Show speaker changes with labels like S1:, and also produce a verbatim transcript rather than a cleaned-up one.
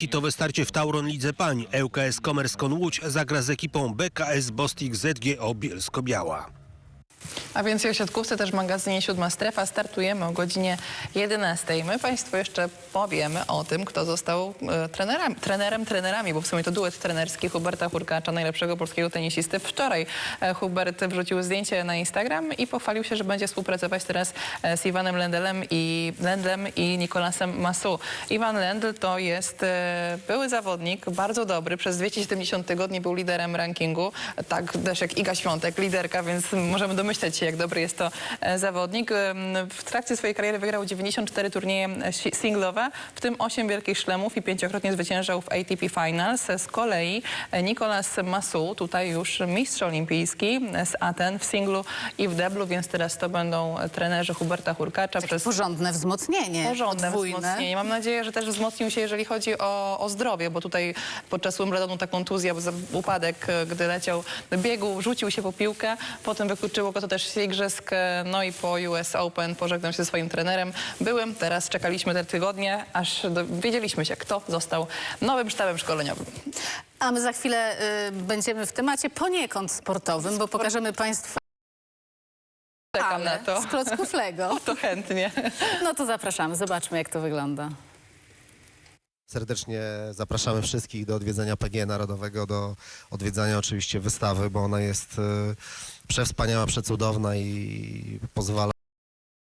S1: Hitowe starcie w Tauron Lidze Pań. ŁKS Commerce.com Łódź zagra z ekipą B K S Bostik Z G O Bielsko-Biała.
S2: A więc o siatkówce też w magazynie Siódma Strefa startujemy o godzinie jedenastej. My Państwu jeszcze powiemy o tym, kto został e, trenerem, trenerem, trenerami, bo w sumie to duet trenerski Huberta Hurkacza, najlepszego polskiego tenisisty. Wczoraj e, Hubert wrzucił zdjęcie na Instagram i pochwalił się, że będzie współpracować teraz e, z Iwanem Lendelem i, Lendlem i Nicolasem Massou. Iwan Lendl to jest e, były zawodnik, bardzo dobry. Przez dwieście siedemdziesiąt tygodni był liderem rankingu. Tak też jak Iga Świątek, liderka, więc możemy domyśleć się, jak dobry jest to e, zawodnik. E, w trakcie swojej kariery wygrał dziewięćdziesiąt cztery turnieje singlowe, w tym osiem wielkich szlemów i pięciokrotnie zwyciężał w A T P Finals. Z kolei e, Nicolas Massou, tutaj już mistrz olimpijski z Aten w singlu i w deblu, więc teraz to będą trenerzy Huberta Hurkacza.
S3: Przez porządne wzmocnienie.
S2: Porządne
S3: podwójne.
S2: wzmocnienie. Mam nadzieję, że też wzmocnił się, jeżeli chodzi o, o zdrowie, bo tutaj podczas Wimbledonu ta kontuzja, bo za upadek, gdy leciał do biegu, rzucił się po piłkę, potem wykluczyło go to też z igrzysk, no i po U S Open pożegnał się ze swoim trenerem byłym. Teraz czekaliśmy te tygodnie, aż dowiedzieliśmy się, kto został nowym sztabem szkoleniowym.
S3: A my za chwilę y, będziemy w temacie poniekąd sportowym, bo pokażemy Państwu
S2: Czekam na to.
S3: z klocków Lego.
S2: To chętnie.
S3: No to zapraszamy, zobaczmy, jak to wygląda.
S4: Serdecznie zapraszamy wszystkich do odwiedzenia P G E Narodowego, do odwiedzania oczywiście wystawy, bo ona jest e, przewspaniała, przecudowna i pozwala